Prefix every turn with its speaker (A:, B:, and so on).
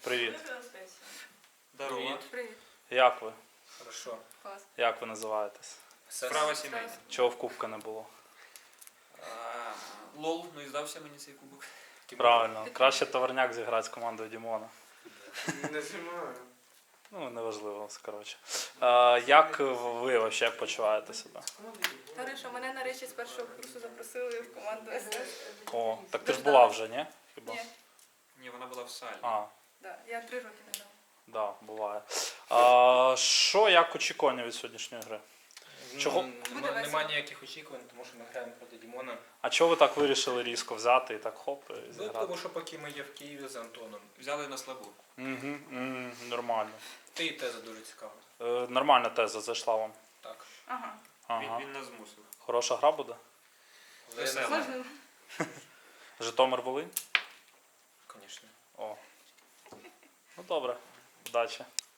A: Привіт.
B: Здорово.
C: Привіт.
A: Як ви?
B: Хорошо.
C: Клас.
A: Як ви називаєтесь?
B: Справа сімейна.
A: Чого в кубка не було?
B: Лол, ну і здався мені цей кубок.
A: Правильно. Краще товарняк зіграти з командою Дімона.
D: Не знімаю.
A: Ну, неважливо, коротше. Як ви взагалі почуваєте себе?
C: Хорошо, мене нарешті з першого курсу запросили в команду СС.
A: О, так ти ж була вже, ні? Хіба?
C: Ні,
B: Ні, вона була в салі.
C: да, я 3 роки не дала.
A: Да, буває. Що, як очікування від сьогоднішньої гри? Чого?
C: Буде весело.
D: Нема ніяких очікувань, тому що ми граємо проти Дімона.
A: А чого ви так вирішили різко взяти і так хоп, і
D: Ну,
A: зіграти?
D: тому що поки ми є в Києві з Антоном.
B: Взяли на слабу.
A: Угу, нормально.
D: Ти і теза дуже цікава.
A: Нормальна теза зайшла вам.
D: Так.
C: Ага.
A: Ага.
B: Він нас змусив.
A: Хороша гра буде?
B: Весела.
C: Можна?
A: Житомир-Волинь?
D: Звісно.
A: О. Ну добре. Удачі.